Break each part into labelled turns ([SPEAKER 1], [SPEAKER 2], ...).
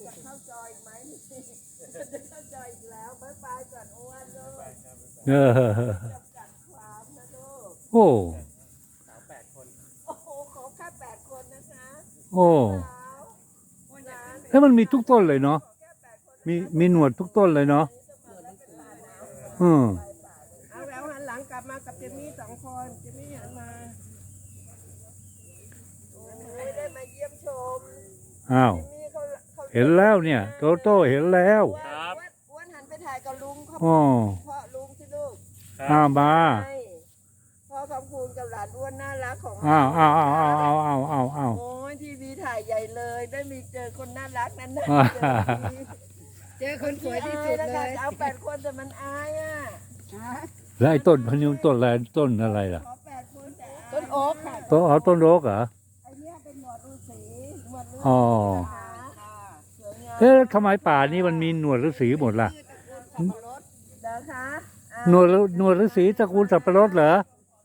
[SPEAKER 1] เข้าจอยไหมจะเข้าจอยอีกแล้วไปก่อนอ้วนลูก
[SPEAKER 2] เออ
[SPEAKER 1] จำกัดความนะลูก
[SPEAKER 2] โอ้
[SPEAKER 3] สาว8 คน
[SPEAKER 1] โอ้โหขอแค่8 คนนะคะ
[SPEAKER 2] โอ้แล้วมันมีทุกต้นเลยเนาะมีหนวดทุกต้นเลยเนาะ
[SPEAKER 1] เอาแล้วหันหลังกลับมากับเจมี่2 คนเจมี่หันมาโอ้ยได้มาเยี่ยมชม
[SPEAKER 2] อ้าวเห็นแล้วเนี่ยโตโต้เห็นแล้ว
[SPEAKER 1] อ้วนหันไปถ่ายกับลุงเขา
[SPEAKER 2] อ๋อ
[SPEAKER 1] พ่อลุงสิลูก
[SPEAKER 2] มา
[SPEAKER 1] พ่อคำพูนกับหลานอ้วนน่ารักของ
[SPEAKER 2] อ้าว
[SPEAKER 1] โอ้ยทีวีถ่ายใหญ่เลยได้มีเจอคนน่ารักนั้นนะเจอคนสวยที่สุดเลยเอา8 คนแต่มันอายอ่ะ
[SPEAKER 2] แล้วไอ้ต้นพะนิวต้นอะไรต้นอะไรล่ะ
[SPEAKER 1] ต้นโอ๊กค่ะ
[SPEAKER 2] ต้นโอ๊กเหรอ
[SPEAKER 1] ไอ้นี่เป็นหนวดฤาษีหนวดฤาษี
[SPEAKER 2] อ๋อทำไมป่านี้มันมีหนวดฤาษีหมดล่ะหนวดฤาษีตระกูลสับปะรดเหรอ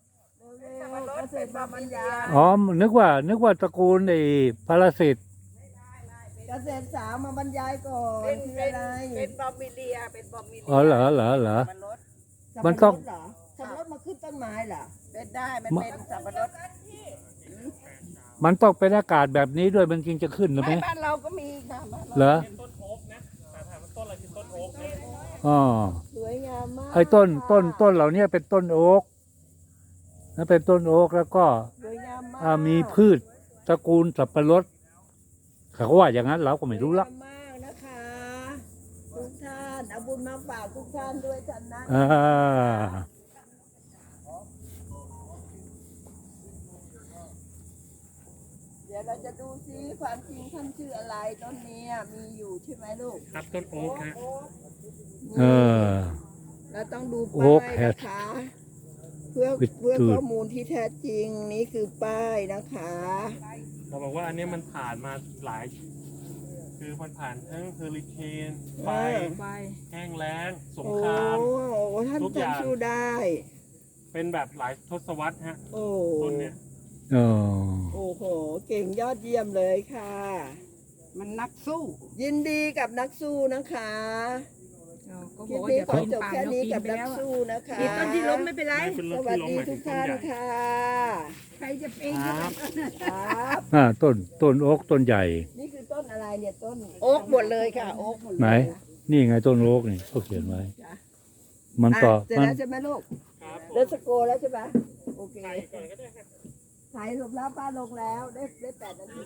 [SPEAKER 2] อ๋อนึกว่าตระกูลไอ้พาราสิต
[SPEAKER 1] เกษตรสาวมาบรรยายก่อนคืออะไรเป็นบอมบิเลีย
[SPEAKER 2] อ๋อเหรอมันต้อง
[SPEAKER 1] สับปะรดมาขึ้นต้นไม้เหรอเป็นได้มันเป็นสับปะรด
[SPEAKER 2] มันต้องเป็นอากาศแบบนี้ด้วยมันจึงจะขึ้นหรือไหม
[SPEAKER 1] บ้านเราก็มีค่ะ
[SPEAKER 2] เหรอ
[SPEAKER 3] ต้นโอ๊กนะถามมันต้นอะไรคือต้นโอ๊กนะ
[SPEAKER 2] อ๋อ
[SPEAKER 1] สวยงามมาก
[SPEAKER 2] ไอ้ต้นเหล่านี้เป็นต้นโอ๊กนั่นเป็นต้นโอ๊กแล้วก็มีพืชตระกูลสับปะรดเขาว่าอย่างนั้นเราก็ไม่รู้ละ
[SPEAKER 1] มากนะคะทุกท่านเอาบุญมาฝากทุกท่านด้วยท่านนะเดี๋ยวเราจะดูซิความจริงท่านชื่ออะไรต้นนี้มีอยู่ใช่ไหมลูก
[SPEAKER 3] ครับต้นโอ๊กฮะ
[SPEAKER 1] เราต้องดูป้ายนะคะเพื่อข้อมูลที่แท้จริงนี่คือป้ายนะคะ
[SPEAKER 3] เราบอกว่าอันนี้มันผ่านมาหลายคือมันผ่านทั้งเฮอริเคนไฟแห้งแล้งสงคราม
[SPEAKER 1] ทุกอย่างสู้ได้
[SPEAKER 3] เป็นแบบหลายทศวรรษฮะต้นเนี้ย
[SPEAKER 1] โอ้โหเก่งยอดเยี่ยมเลยค่ะ
[SPEAKER 4] มันนักสู้
[SPEAKER 1] ยินดีกับนักสู้นะคะคลิปนี้ขอจบแค่นี้กับนักสู้นะคะ
[SPEAKER 4] ต้นที่ล้มไม่เป็นไร
[SPEAKER 1] สวัสดีทุกท่านค่ะ
[SPEAKER 4] ใครจะเป็น
[SPEAKER 1] ครับ
[SPEAKER 2] ต้นโอ๊กต้นใหญ่
[SPEAKER 1] นี่คือต้นอะไรเนี่ยต้นโอ๊กหมดเลยค่ะโอ๊กหมดเลย
[SPEAKER 2] ไหนนี่ไงต้นโอ๊กนี่เขาเขียนไว้มันต่อ
[SPEAKER 1] เสร็จแล้วใช่ไหมลูกเดินสโกแล้วใช่ไหมโอเคถ่ายรูปแล้วป้าลงแล้วได้8 นาที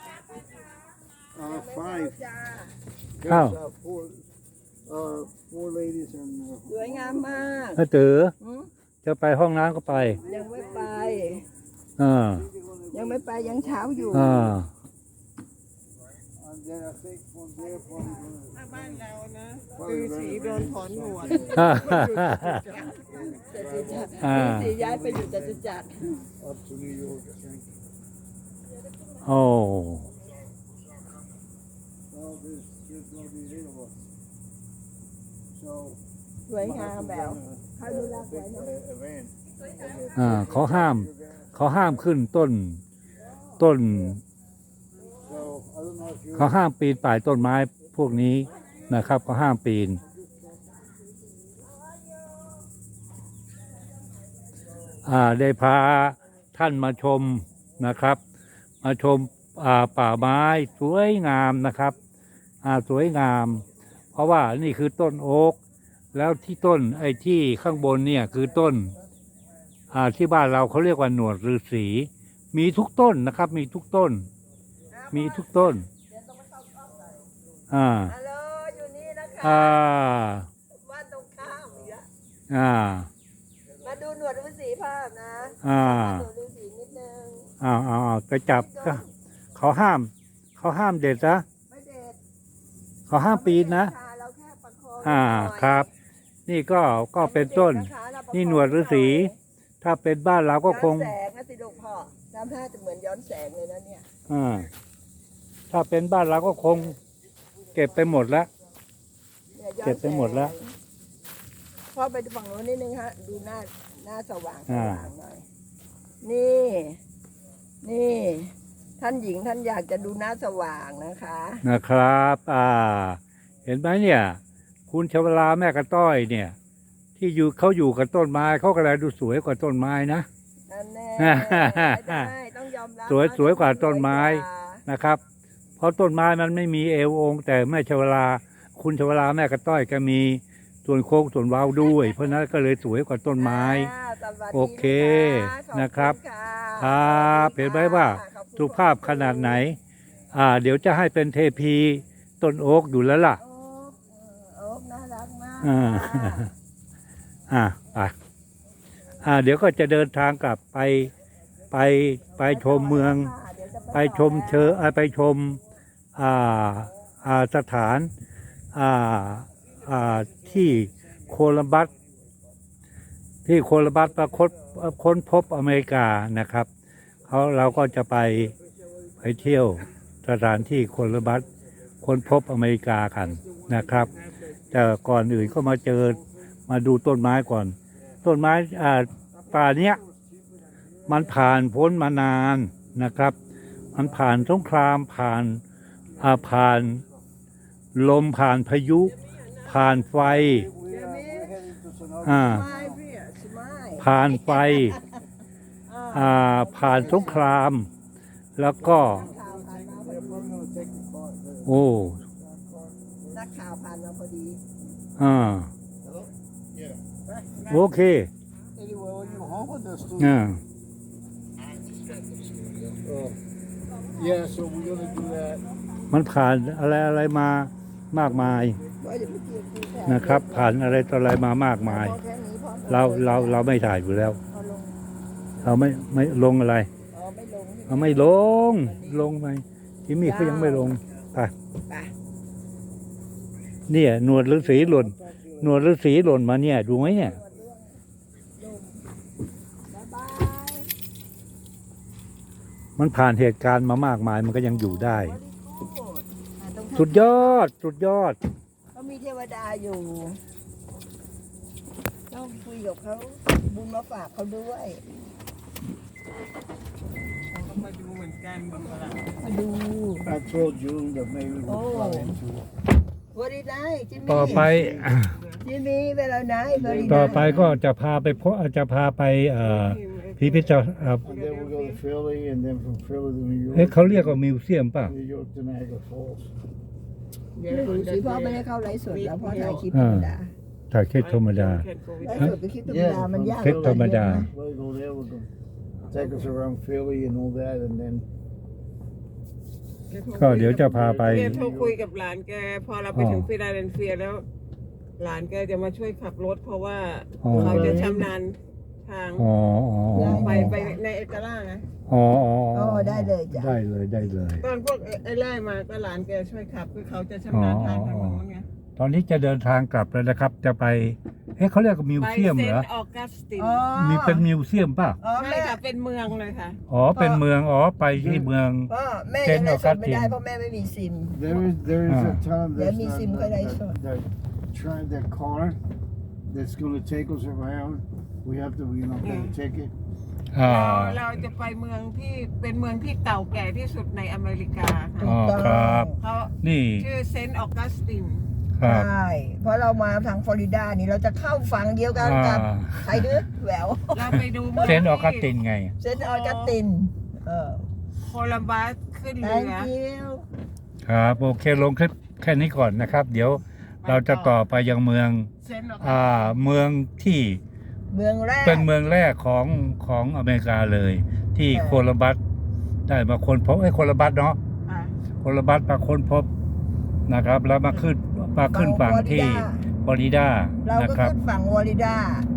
[SPEAKER 2] อ้าว
[SPEAKER 1] สวยงามมาก
[SPEAKER 2] ตื่นจะไปห้องน้ำก็ไป
[SPEAKER 1] ยังไม่ไป
[SPEAKER 2] ยัง
[SPEAKER 1] เช้าอยู่บ้านเรานะคือสีโดนถอนหนวดสีย้ายไปอยู่จตุจักร
[SPEAKER 2] โอ้
[SPEAKER 1] สวยงามแบบเขาดูแลสวยเ
[SPEAKER 2] นาะเขาห้ามขึ้นต้นเขาห้ามปีนป่ายต้นไม้พวกนี้นะครับเขาห้ามปีนได้พาท่านมาชมนะครับมาชมป่าไม้สวยงามนะครับสวยงามเพราะว่านี่คือต้นโอ๊กแล้วที่ต้นไอ้ที่ข้างบนเนี่ยคือต้นที่บ้านเราเขาเรียกว่าหนวดฤาษีมีทุกต้นนะครับมีทุกต้น
[SPEAKER 1] ฮัลโหลอยู่นี่นะคะบ้านตรงข้ามอีกแล้วมาดูหนวดฤาษีภาพนะหนวดฤาษีนิดนึง
[SPEAKER 2] ไปจับเขาห้ามเด็ดนะ
[SPEAKER 1] ไม่เด็ด
[SPEAKER 2] เขาห้ามปีนนะ
[SPEAKER 1] เราแค่ประคอง
[SPEAKER 2] ครับนี่ก็เป็นต้นนี่หนวดฤาษีถ้าเป็นบ้านเราก็คง
[SPEAKER 1] แสงนะสิลูกพ่อทำท่าจะเหมือนย้อนแสงเลยนะเนี่ย
[SPEAKER 2] ถ้าเป็นบ้านเราก็คงเก็บไปหมดแล้ว
[SPEAKER 1] พ่อไปฝั่งโน้นนิดนึงฮะดูหน้าสว่างหน่อยนี่ท่านหญิงท่านอยากจะดูหน้าสว่างนะคะ
[SPEAKER 2] นะครับ เห็นไหมเนี่ย คุณชวลาแม่กระต้อยเนี่ย ที่เขาอยู่กับต้นไม้เขาก็เลยดูสวยกว่าต้นไม้นะ
[SPEAKER 1] นั่นแน่ได้ต้องยอมรับ
[SPEAKER 2] สวยกว่าต้นไม้ นะครับ เพราะต้นไม้มันไม่มีเอวองค์แต่แม่ชวลาคุณชวลาแม่กระต้อยก็มีส่วนโค้งส่วนเว้าด้วย เพราะนั้นก็เลยสวยกว่าต้นไม้
[SPEAKER 1] สวัสดี
[SPEAKER 2] โอเค
[SPEAKER 1] ขอ
[SPEAKER 2] นะครับ
[SPEAKER 1] ณ
[SPEAKER 2] ครับเห็นไหมว่า
[SPEAKER 1] ขอบคุณ
[SPEAKER 2] สุภาพขนาดไหน เดี๋ยวจะให้เป็นเทพีต้นโอ๊กอยู่แล้วล่ะ
[SPEAKER 1] โอ๊คน่ารักมาก
[SPEAKER 2] อ่าไปเดี๋ยวก็จะเดินทางกลับไปชมเมือง ไปชมไปชมสถานที่โคลัมบัสค้นพบอเมริกานะครับเราก็จะไปเที่ยวสถานที่โคลัมบัสค้นพบอเมริกากันนะครับ แต่ก่อนอื่นก็มาดูต้นไม้ก่อน ต้นไม้ป่าเนี้ยมันผ่านพ้นมานานนะครับ มันผ่านสงครามผ่านลมผ่านพายุ ผ่านไฟผ่านไฟผ่านสงคราม แล้วก็โอ้
[SPEAKER 1] นักข่าวผ่านมาพอดี
[SPEAKER 2] โอเค
[SPEAKER 5] Yeah, so we're gonna do that.
[SPEAKER 2] มันผ่านอะไรมามากมายนะครับ ผ่านอะไรต่ออะไรมามากมาย เราไม่ถ่ายอยู่แล้ว เราไม่ลงอะไร เราไม่ลงไปที่มี่เขายังไม่ลงไปเนี่ยหนวดฤาษีหล่นมาเนี่ยดูไหมเนี่ยมันผ่านเหตุการณ์มามากมายมันก็ยังอยู่ได้ สุดยอด
[SPEAKER 1] เขามีเทวดาอยู่ต้องคุยกับเขาบุญมาฝากเขาด้วย
[SPEAKER 4] ก็มาดูเหมือนกันบางคน
[SPEAKER 1] มาดู
[SPEAKER 5] I told June that maybe we'll fly into it.
[SPEAKER 1] วันนี้ได้จิมมี่
[SPEAKER 2] ต่อไป
[SPEAKER 1] จิมมี่เวลาไหนวันนี้
[SPEAKER 2] ต่อไปก็จะพาไปพิพิธภัณฑ์
[SPEAKER 5] And then we'll go to Philly, and then from Philly to New
[SPEAKER 2] เอ๊ะ
[SPEAKER 5] York.
[SPEAKER 2] เขาเรียกว่ามิวเซียมป่ะ
[SPEAKER 5] New York to Niagara Falls.
[SPEAKER 1] เดี๋ยวดูสิพ่อไม่ได้เข้าไลฟ์สดแล้วพ่อถ่ายคลิปธรรมดา
[SPEAKER 2] ถ่ายแค่ธรรมดา
[SPEAKER 1] ไลฟ์สดกับคลิปธรรมดามันยาก
[SPEAKER 2] คลิปธรรมดา
[SPEAKER 5] We'll go there. We'll go take us around Philly and all that, and then
[SPEAKER 2] ก็เดี๋ยวจะพาไป
[SPEAKER 4] แกโทรคุยกับหลานแกพอเราไปถึงฟิลาเดลเฟียแล้ว หลานแกจะมาช่วยขับรถเพราะว่าเขาจะชำนาญทาง
[SPEAKER 2] อ๋อ
[SPEAKER 4] ไปในเอกล่าไง
[SPEAKER 2] อ๋อ
[SPEAKER 1] ได้เลยจ้ะ
[SPEAKER 2] ได้เลย
[SPEAKER 4] ตอนพวกไอ้ไล่มาก็หลานแกช่วยขับคือเขาจะชำนาญทางทางโน้นไง
[SPEAKER 2] ตอนนี้จะเดินทางกลับแล้วนะครับ จะไปเขาเรียกว่ามิว
[SPEAKER 4] ไป
[SPEAKER 2] เซียม
[SPEAKER 4] เซ
[SPEAKER 2] เหร
[SPEAKER 4] น
[SPEAKER 2] อ
[SPEAKER 4] ต์ออกัสติน
[SPEAKER 2] มีเป็นมิวเซียมป่ะ
[SPEAKER 1] อ๋อ
[SPEAKER 4] ใช่
[SPEAKER 1] แม่
[SPEAKER 4] ค่ะเป็นเมืองเลยค่ะ
[SPEAKER 2] เป็นเมืองไปที่เมือง
[SPEAKER 1] พ่อแม่ยังไลฟ์สดไม่ได้เพราะแม่ไม่มีซิม
[SPEAKER 5] there is a ton of
[SPEAKER 1] Let
[SPEAKER 5] this
[SPEAKER 1] me see what I saw.
[SPEAKER 5] that car that's gonna take us around. We have to, get a ticket.
[SPEAKER 4] เราจะไปเมืองที่เป็นเมืองที่เก่าแก่ที่สุดในอเมริกาค่ะ
[SPEAKER 2] อ๋อครับ
[SPEAKER 4] เขา
[SPEAKER 2] นี่
[SPEAKER 4] ชื่อเซนต์ออกัสติน
[SPEAKER 2] ครับ
[SPEAKER 1] ใช่ เพราะเรามาทางฟลอริดานี่เราจะเข้าฝั่งเดียวกันกับใครดื้อแหวว
[SPEAKER 4] เราไปดูเมือง
[SPEAKER 2] เซนต์ออกัสตินไง
[SPEAKER 1] เซนต์ออกัสติน
[SPEAKER 4] โคลัมบัสขึ้นเรือ
[SPEAKER 1] thank you
[SPEAKER 2] ครับโอเคลงแค่นี้ก่อนนะครับ เดี๋ยวเราจะต่อไปยังเมือง
[SPEAKER 4] เซนต์ออกัส
[SPEAKER 2] เมืองที่
[SPEAKER 1] เมืองแรก
[SPEAKER 2] เป็นเมืองแรกของอเมริกาเลย ที่โคลัมบัสได้มาค้นพบโคลัมบัสเนาะ
[SPEAKER 4] ค่ะ
[SPEAKER 2] โคลัมบัสมาค้นพบนะครับ แล้วมาขึ้นฝั่งที่ฟลอริดา
[SPEAKER 1] เรา
[SPEAKER 2] นะ
[SPEAKER 1] ก็
[SPEAKER 2] ครับ
[SPEAKER 1] ขึ้นฝั่งฟลอริดา